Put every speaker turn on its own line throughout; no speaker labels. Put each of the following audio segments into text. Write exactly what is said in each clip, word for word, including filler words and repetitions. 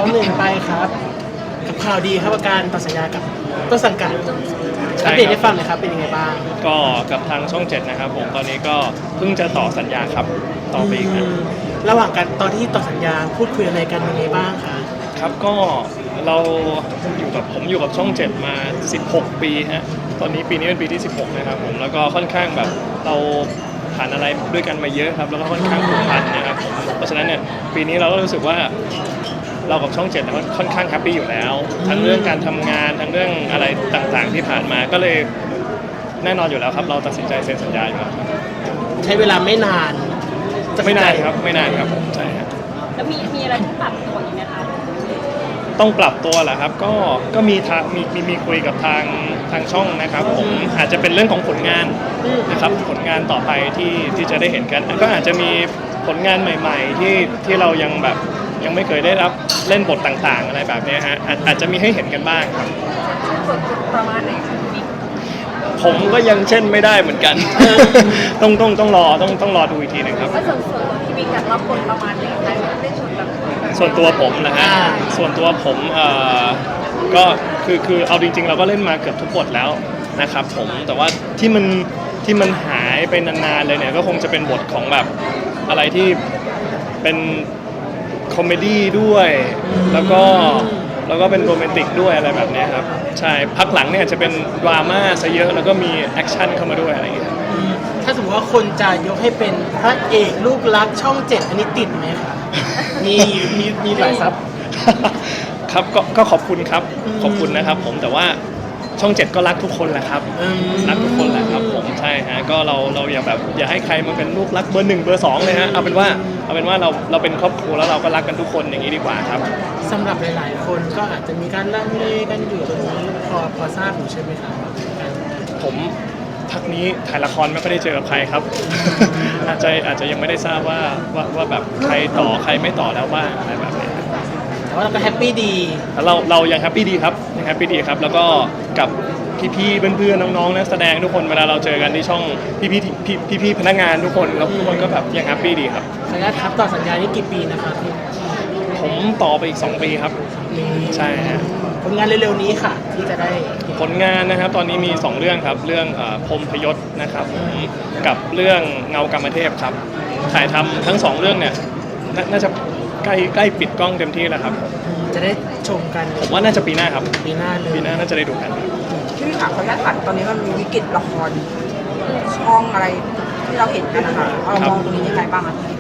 องหนึ่งไปครับกับข่าวดีครับอาการต่อสัญญากับต้นสังกัดอัปเดตให้ฟังหน่อยครับเป็นยังไงบ้าง
ก็กับทางช่องเจ็ดนะครับผมตอนนี้ก็เพิ่งจะต่อสัญญาครับต่อไปอีกนะ
ระหว่างการตอนที่ต่อสัญญาพูดคุยอะไรกันยังไงบ้างคะ
ครับก็เราอยู่กับผมอยู่กับช่องเจ็ดมาสิบหกปีฮะตอนนี้ปีนี้เป็นปีที่สิบหกนะครับผมแล้วก็ค่อนข้างแบบเราผ่านอะไรด้วยกันมาเยอะครับแล้วก็ค่อนข้างผูกพันนะครับเพราะฉะนั้นเนี่ยปีนี้เราก็รู้สึกว่าเรากับช่องเจ็ดมันค่อนข้างแฮปปี้อยู่แล้วทั้งเรื่องการทำงานทั้งเรื่องอะไรต่างๆที่ผ่านมาก็เลยแน่นอนอยู่แล้วครับเราตัดสินใจเซ็นสัญญาอยู่แล้วครับ
ใช้เวลาไม่นาน
ไม่นานครับไม่นานครับผมใช่ครับ
แล้วมีมีอะไรต้องปรับตัวอีกไหมคะ
ต้องปรับตัวแหละครับก็ก็มีทางมีมีมีคุยกับทางทางช่องนะครับผมอาจจะเป็นเรื่องของผลงานนะครับผลงานต่อไปที่ที่จะได้เห็นกันก็อาจจะมีผลงานใหม่ๆที่ที่เรายังแบบยังไม่เคยได้รับเล่นบทต่างๆอะไรแบบนี้ฮะอาจอาจจะมีให้เห็นกันบ้างครับ
ประมาณไหนคะพี่
ผมก็ยังเช่นไม่ได้เหมือนกันต้องต้องต้องรอต้องต้องรอดูอีกทีหนึ่งครับ
ส่วนส่วนของพี่บิ๊กรับบทประมาณไหนคะได้ชวนแบบ
ส่วนตัวผมนะฮะส่วนตัวผมเอ่อก็คือคือเอาจริงๆเราก็เล่นมาเกือบทุกบทแล้วนะครับผมแต่ว่าที่มันที่มันหายไปนานๆเลยเนี่ยก็คงจะเป็นบทของแบบอะไรที่เป็นคอมเมดี้ด้วยแล้วก็แล้วก็เป็นโรแมนติกด้วยอะไรแบบนี้ครับใช่พักหลังเนี่ยจะเป็นดราม่าซะเยอะแล้วก็มีแอคชั่นเข้ามาด้วยอะไรอย่างเงี้ย
ถ้าสมมติว่าคนจะยกให้เป็นพระเอกลูกรักช่องเจ็ดอันนี้ติดไหมคะมีมีมีหลายซับ
ครับก็ก็ขอบคุณครับขอบคุณนะครับผมแต่ว่าช่องเจ็ดก็รักทุกคนแหละครับรักทุกคนแหละครับผมใช่ฮะก็เราเราอย่าแบบอย่าให้ใครมาเป็นลูกรักเบอร์หนึ่งเบอร์สองเลยฮะเอาเป็นว่าเอาเป็นว่าเราเราเป็นครอบครัวแล้วเราก็รักกันทุกคนอย่างนี้ดีกว่าครับ
สำหรับหลายๆคนก็อาจจะมีการลังเลกันอยู่ตรงนี้พอพอทราบอยู่ใช่ไหมครับ
ผมพักนี้ถ่ายละครไม่ค่อยได้เจอกับใครครับอาจจะอาจจะยังไม่ได้ทราบว่าว่าว่าแบบใครต่อใครไม่ต่อแล้วบ้างอะไรแบบนี้
แต่ว่าเราก็แฮปปี้ดี
เราเรายังแฮปปี้ดีครับยังแฮปปี้ดีครับแล้วก็กับพี่ๆเพื่อนๆน้องๆนักแสดงทุกคนเวลาเราเจอกันที่ช่องพี่ๆพี่พี่พนักงานทุกคนแล้วทุกคนก็แบบยังแฮปปี้ดีครับ
สัญญาครับต่อสัญญานี้กี่ปีนะครับพี่
ผมต่อไปอีกสองปีครับใช่ฮะ
ผลงานเร็วๆนี้ค่ะที่จะได้
ผลงานนะครับตอนนี้มีสองเรื่องครับเรื่องพรหมพยศนะครับกับเรื่องเงากรรมเทพครับถ่ายทำทั้งสองเรื่องเนี่ยน่าจะใกล้ใกล้ปิดกล้องเต็มที่แล้วครับ
จะได้ชมกัน
ผมว่าน่าจะปีหน้าครับ
ปีหน้าเลย
ปีหน้าน่าจะได้ดูกัน
ที่พี่ถามเขาญาติขัดตอนนี้มันมีวิกฤตละครช่องอะไรที่เราเห็นกันนะคะเรามองตรงนี้ยังไงบ้างคะพี่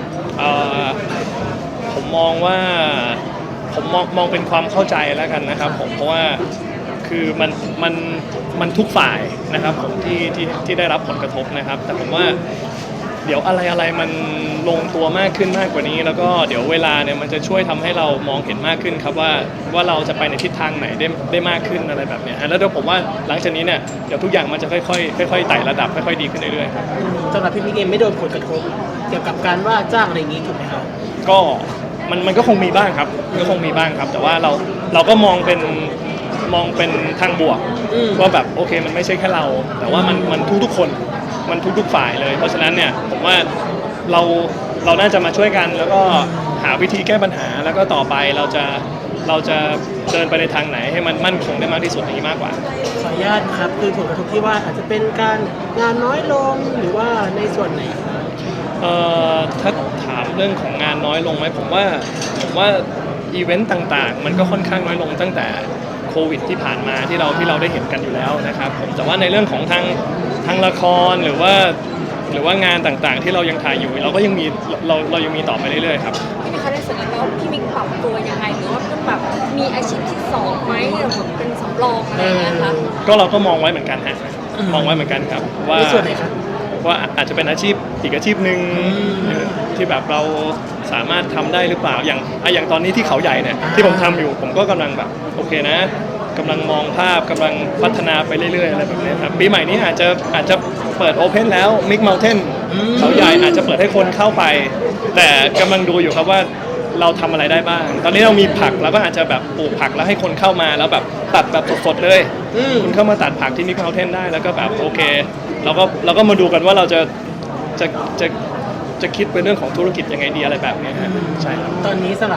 ผมมองว่าผมมองมองเป็นความเข้าใจแล้วกันนะครับผมเพราะว่าคือมันมันมันทุกฝ่ายนะครับผมที่ที่ที่ได้รับผลกระทบนะครับแต่ผมว่าเดี๋ยวอะไรอะไรมันลงตัวมากขึ้นมากกว่านี้แล้วก็เดี๋ยวเวลาเนี่ยมันจะช่วยทำให้เรามองเห็นมากขึ้นครับว่าว่าเราจะไปในทิศทางไหนได้ได้มากขึ้นอะไรแบบนี้แล้วเดี๋ยวผมว่าหลังจากนี้เนี่ยเดี๋ยวทุกอย่างมันจะค่อยๆค่อยๆไต่ระดับค่อยๆดีขึ้นเรื่อยๆครับ
สำหรับพี่มิกเองไม่โดนผลกระทบเกี่ยวกับการว่าจ้างอะไรอย่างนี้ถูกไหมครับ
ก็มันมันก็คงมีบ้างครับก็คงมีบ้างครับแต่ว่าเราเราก็มองเป็นมองเป็นทางบวกว่าแบบโอเคมันไม่ใช่แค่เราแต่ว่ามันมันทุกๆคนมันทุกๆฝ่ายเลยเพราะฉะนั้นเนี่ยผมว่าเราเราน่าจะมาช่วยกันแล้วก็หาวิธีแก้ปัญหาแล้วก็ต่อไปเราจะเราจะเดินไปในทางไหนให้มันมั่นคงได้มากที่สุดอย่างนี้มากกว่า
ขออนุญาตครับคือผลกระทบที่ว่าอาจจะเป็นการงานน้อยลงหรือว่าในส่วนไหนครับ
เอ่อถ้าถามเรื่องของงานน้อยลงไหมผมว่าผมว่าอีเวนต์ต่างๆมันก็ค่อนข้างน้อยลงตั้งแต่โควิดที่ผ่านมาที่เราที่เราได้เห็นกันอยู่แล้วนะครับผมแต่ว่าในเรื่องของทางทางละครหรือว่าหรือว่างานต่างๆที่เรายังถ่ายอยู่เราก็ยังมีเราเรายังมีต่อไปเรื่อยๆครับ
พี่มิกคะได้สัญญาแล้วพี่มิกปรับตัวยังไงหรือว่าแบบมีอาชีพที่สองไหมหรือแบบเป็นสำรองอะไรอย่างเงี้ยคะ
ก็เราก็มองไว้เหมือนกันฮะมองไว้เหมือนกันครับว่า
ในส่วนไหนครับ
ว่าอาจจะเป็นอาชีพอีกอาชีพหนึ่งที่แบบเราสามารถทำได้หรือเปล่าอย่างอย่างตอนนี้ที่เขาใหญ่เนี่ยที่ผมทำอยู่ผมก็กำลังแบบโอเคนะกำลังมองภาพกำลังพัฒนาไปเรื่อยๆอะไรแบบนี้ครับปีใหม่นี้อาจจะอาจจะเปิดโอเพนแล้วมิกเมลเทนเขาใหญ่อาจจะเปิดให้คนเข้าไปแต่กำลังดูอยู่ครับว่าเราทำอะไรได้บ้างตอนนี้เรามีผักเราก็อาจจะแบบปลูกผักแล้วให้คนเข้ามาแล้วแบบตัดแบบสดๆเลยคุณเข้ามาตัดผักที่มิกเมลเทนได้แล้วก็แบบโอเคเราก็เราก็มาดูกันว่าเราจะจะจะจะคิดเป็นเรื่องของธุรกิจยังไงดีอะไรแบบนี้ฮะใช่ครับ
ตอนนี้สำหรับ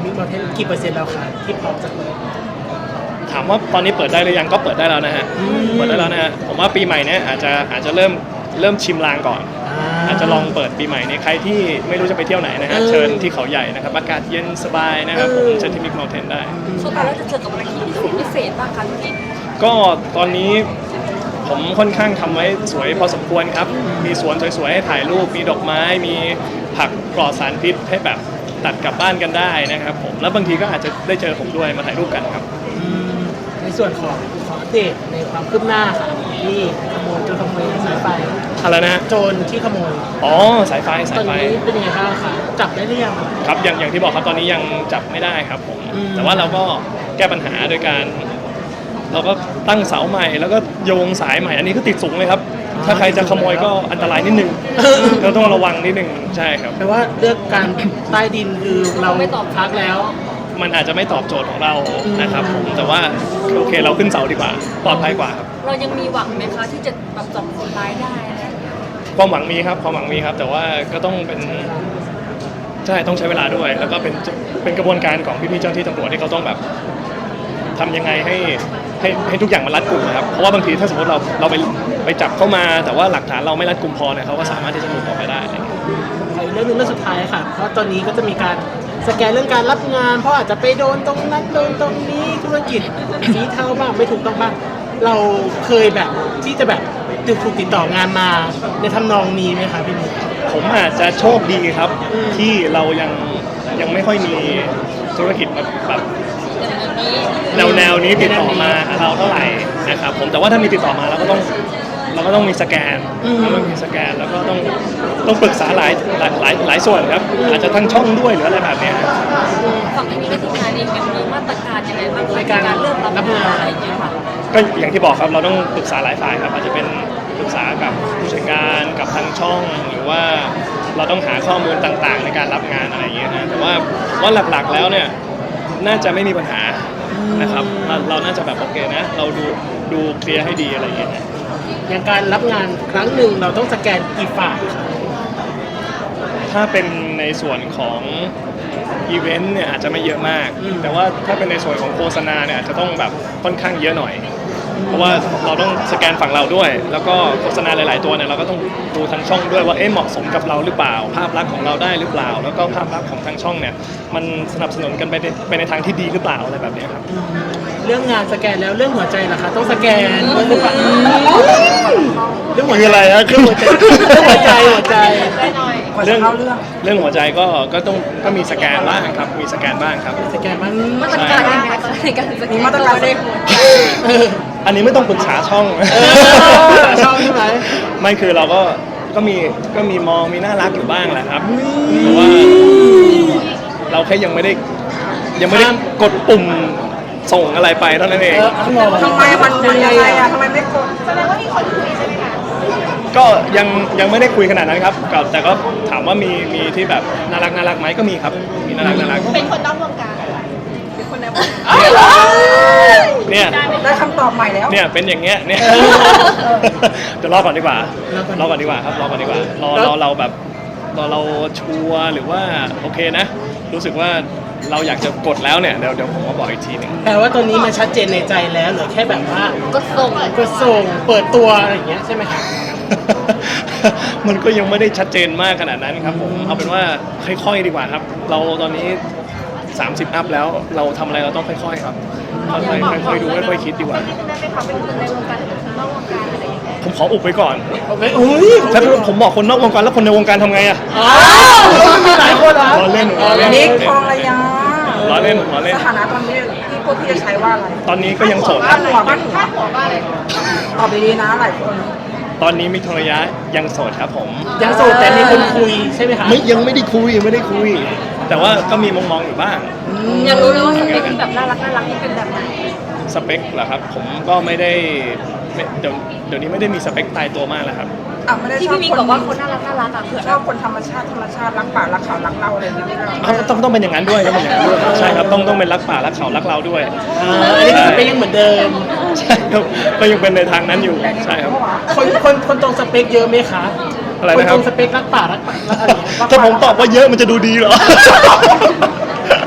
มิกมาเทนกี่เปอร์เซ็นต์แล้วคะที่พร้อมจะเปิด
ถามว่าตอนนี้เปิดได้หรือยังก็เปิดได้แล้วนะฮะ
อืม
เปิดได้แล้วนะฮะผมว่าปีใหม่เนี้ยอาจจะอาจจะเริ่มเริ่มชิมลางก่อน อาจจะลองเปิดปีใหม่นี้ใครที่ไม่รู้จะไปเที่ยวไหนนะฮะ
เออ
เชิญที่เขาใหญ่นะครับอากาศเย็นสบายนะครับผม
เออ
เชิญที่มิกเมลเทนได้
สุดท้ายแล้วจะเจอกับอะไรที่พิเศษบ้างคะพี่
ก็ตอนนี้ผมค่อนข้างทำไว้สวยพอสมควรครับ มีสวนสวยๆให้ถ่ายรูป มีดอกไม้ มีผักปลอดสารพิษให้แบบตัดกลับบ้านกันได้นะครับผม แล้วบางทีก็อาจจะได้เจอผมด้วยมาถ่ายรูปกันครับ
อืมในส่วนของขออัปเดตในความคืบหน้าค่ะที่ขโมยโจรขโมยสายไฟ
อะไรนะฮะ
โจรที่ขโมย
อ๋อ สายไฟ
ต
สา
อย น
ไฟ
นี้เป็นยังไงบ้างคะจับได้หรือยัง
ครับอย่างอย่างที่บอกครับตอนนี้ยังจับไม่ได้ครับผม
อืม
แต่ว่าเราก็แก้ปัญหาโดยการ เราก็ตั้งเสาใหม่แล้วก็โยงสายใหม่ อันนี้ก็ติดสูงเลยครับ ถ้าใครจะขโมยก็อันตรายนิดนึงเราต้องระวังนิดนึงใช่ครับ
แปลว่าเลือกการใต้ดินคือเรา
ไม่ตอบ
พักแล้ว
มันอาจจะไม่ตอบโจทย์ของเรา
อืม
นะครับผมแต่ว่าโอเคเราขึ้นเสาดีกว่าปลอดภัยกว่าครับ
เรายังมีหวังไหมคะที่จะแบบจับคนร้ายได้อะไรอย่างเงี้ย
ความหวังมีครับความหวังมีครับ แต่ว่าก็ต้องเป็นใช่ต้องใช้เวลาด้วย แล้วก็เป็นเป็นกระบวนการของพี่ๆเจ้าหน้าที่ตำรวจที่เขาต้องแบบทำยังไงให้ให้ให้ทุกอย่างมันรัดกุมนะครับเพราะว่าบางทีถ้าสมมติเราเราไปไปจับเข้ามา แต่ว่าหลักฐานเราไม่รัดกุมพอเนี่ยเขาก็สามารถที่จะหลุดออกไปได้อะไรอย่างเงี้ย
ขออีกเรื่องหนึงเรื่องสุดท้ายค่ะ เพราะตอนนี้ก็จะมีการสแกนเรื่องการรับงาน เพราะอาจจะไปโดนตรงนั้นโดนตรงนี้ธุรกิจสีเทาบ้างไม่ถูกต้องบ้างเราเคยแบบที่จะแบบถูกติดต่องานมาในทำนองนี้ไหมคะพี่นุ๊ก
ผมอาจจะโชคดีครับ
อืม
ที่เรายังยังไม่ค่อยมีธุรกิจแบบแบบ
อย่างนี้
แนวแนวนี้ติดต่อมาหาเราเท่าไหร่นะครับผมแต่ว่าถ้ามีติดต่อมาเราก็ต้องเราก็ต้องมีสแกนเราต้องมีสแกนแล้วก็ต้องต้องปรึกษาหลายหลายหลายหลายส่วนครับอาจจะทั้งช่องด้วยหรืออะไรแบบเนี้ยครับ
ฝั่งนี้ก็ทีมงานเองยังมีมาตรการยังไงบ้างคะ
ใน
ใน
การ
การเลือกรับ
รับงาง
าน
น
อะไรอย่างเงี้ยค่ะ
ก็อย่างที่บอกครับเราต้องปรึกษาหลายฝ่ายครับอาจจะเป็นปรึกษากับผู้จัดการกับทางช่อง หรือว่าเราต้องหาข้อมูลต่างๆ ในการรับงานอะไรอย่างเงี้ยนะแต่ว่าว่าหลักๆแล้วเนี่ยน่าจะไม่มีปัญหานะครับเราเราน่าจะแบบโอเคนะเราดูดูเคลียร์ให้ดีอะไรอย่างเงี้ยนะ
อย่างการรับงานครั้งหนึ่งเราต้องสแกนกี่ฝ่ายคะ
ถ้าเป็นในส่วนของอีเวนต์เนี่ยอาจจะไม่เยอะมาก แต่ว่าถ้าเป็นในส่วนของโฆษณาเนี่ยอาจจะต้องแบบค่อนข้างเยอะหน่อย เพราะว่าเราต้องสแกนฝั่งเราด้วย แล้วก็โฆษณาหลาย ๆ ตัวเนี่ยเราก็ต้องดูทางช่องด้วยว่าเอ๊ะเหมาะสมกับเราหรือเปล่า ภาพลักษณ์ของเราได้หรือเปล่า แล้วก็ภาพลักษณ์ของทางช่องเนี่ยมันสนับสนุนกันไปในไปในทางที่ดีหรือเปล่าอะไรแบบเนี้ยครับ
เรื่องงานสแกนแล้วเรื่องหัวใจล่ะคะต้องสแกนเรื่องหัวใจเรื่องหัว
คือ
ใจ
อะไรฮะ
เรื่องหัวใจเรื่องหัวใจหัวใจ
กว่า
เรื่
จะ
อง
เข้าเรื่อง
เรื่องหัวใจก็ก็ต้องก็มีสแกนบ้างครับมีสแกนบ้างครับ
สแกนมัน
มาตรการยังไงคะในการสแก
มี
น
มาตรการได้
เออ
อันนี้ไม่ต้องปรึกษาช่อง
เออชอบใช่ไหม
ไม่คือเราก็ก็มีก็มีมองมีน่ารักอยู่บ้างแหละครับแต่ว่าเราแค่ยังไม่ได้ยังไม่ได้กดปุ่มส่งอะไรไปเท่านั้นเอง
เออเอาหรอ
ทำไมมันมันยังไงอะทำไมไม่กด
ก็ยังยังไม่ได้คุยขนาดนั้นครับก็แต่ก็ถามว่ามีมีที่แบบน่ารักน่ารักไหมก็มีครับมีน่ารักน่ารัก
เป็นคนนอกวงการเป็นคนในวงการ
เนี่ย
ได้คำตอบใหม่แล้ว
เนี่ยเป็นอย่างเงี้ยเนี่ยเดี๋ยวรอก่อนดีกว่ารอก่อนดีกว่าครับรอก่อนดีกว่ารอรอเราแบบรอเราชัวร์หรือว่าโอเคนะ รู้สึกว่าเราอยากจะกดแล้วเนี่ยเดี๋ยวเดี๋ยวผมมาบอกอีกทีหนึง
แปลว่าตอนนี้มันชัดเจนในใจแล้วเหลือแค่แบบว่า
ก็ส่ง
ก็ส่งเปิดตัวอะไรอย่างเงี้ยใช่ไหมครับ
มันก็ยังไม่ได้ชัดเจนมากขนาดนั้นครับผมเอาเป็นว่าค่อยๆดีกว่าครับ เราตอนนี้สามสิบอัพแล้วเราทำอะไรเราต้องค่อยๆครับค่อยๆค่อยๆดูค่อยๆคิดดีกว่า
ได้ไหมคะเป็นคนในวงการหรือคนนอกวงการอะไรอย่างเงี้ย
ผมขออุบไว้ก่อน
โอเคอุ้ย
ถ้าผมบอกคนนอกวงการแล้วคนในวงการทำไงอะ
อ้าวมีหลายคนเหรอ
ล้อเล่นล้อเล่น
นิกทองระยา
ล้อเล่นล้อเล่น
สถานะตอนนี้ที่พวกพี่จะใช้ว่าอะไร
ตอนนี้ก็ยังโสดค
บ้า
รั
น
บ
หัวบ้านหัวตอบดีๆนะหลายคน
ตอนนี้มิกทองระยะยังโสดครับผม
ยังโสดแต่มีคนคุยใช่ไหมคะ
ไม่ยังไม่ได้คุยยังไม่ได้คุย แต่ว่าก็มีมองมองๆอยู่บ้าง
อยากรู้เลยว่าสเปคที่แบบน่ารักน่ารักนี่เป็นแบบไหน
สเปคเหรอครับ ผมก็ไม่ได้ไม่เดี๋ยวเดี๋ยวนี้ไม่ได้มีสเปคตายตัวมากแล้วครับ
อ่ะไม่ได้
ที่
ชอบ
พี่มิก
คน
บอกว่าคนน่ารักน่ารักอ่ะเผื่อ
ชอบคนธรรมชาติธรรมชาติรักป่ารักเขารักเราอะไรอย่างเงี้ย
อ้าวต้องต้องเป็นอย่างนั้นด้วยต้องเป็นอย่างนั้นด้วยใช่ครับต้องต้องเป็นรักป่ารักเขารักเราด้วย
อ่าอันนี้ก็สเปคยังเหมือนเดิม
ใช่ครับก็ยังเป็นในทางนั้นอยู่ใช่ครับ
คนคนคนตรงสเปคเยอะไหมคะ
อะไร
คน
นะค
ต
รั
ร
บ
งสเปครักป่ารักป่ารักอะไรอย่างเงี้ย
ถ้าผมตอบว่าเยอะมันจะดูดีเหรอ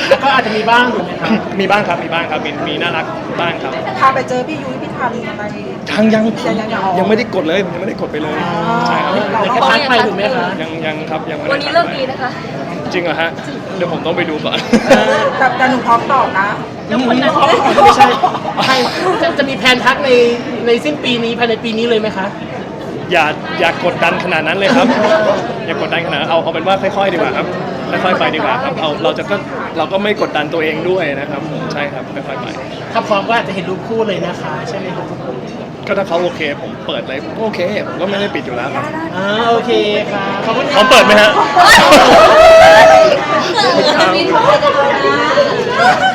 แล้วก็อาจจะมีบ้างถูกไหมครับ
มีบ้างครับมีบ้างครับมีมีน่ารักบ้างครับ
พาไปเจอพี่ยุ้ยพี่ทันอะไร
ยังยัง
ยังยังยัง
ยังไม่ได้กดเลยผมยังไม่ได้กดไปเลยใช่ครับ
เดี๋ยวแค่ทักไปถูกไหมคะ
ยังยังครับยังไม่ได้
วันนี้เลิกดีนะคะ
จริงเหรอฮะเดี๋ยวผมต้องไปดูก่อน
แต่แต่หนูพร้อมตอบนะ
ไม่ใช่ใช่จะจะมีแผนทักในในสิ้นปีนี้ภายในปีนี้เลยไหมคะ
อย่าอย่ากดดันขนาดนั้นเลยครับ อย่ากดดันขนาดนั้นเอาเอาเป็นว่าค่อยๆดีกว่าครับค่อยๆไปดีกว่าครับเอาเราจะก็เราก็ไม่กดดันตัวเองด้วยนะครับผมใช่ครับค่อยๆไป
ถ้าพร้อมก็อาจจะเห็นรูปคู่เลยนะคะใช่ไหมครับ
ก็ถ้าเขาโอเคผมเปิดเลยโอเคผมก็ไม่ได้ปิดอยู่แล้วครับ
อ่าโอเคค่ะขอบคุณ
พร้อมเปิดไหมฮะ
เออมีโทษกันนะ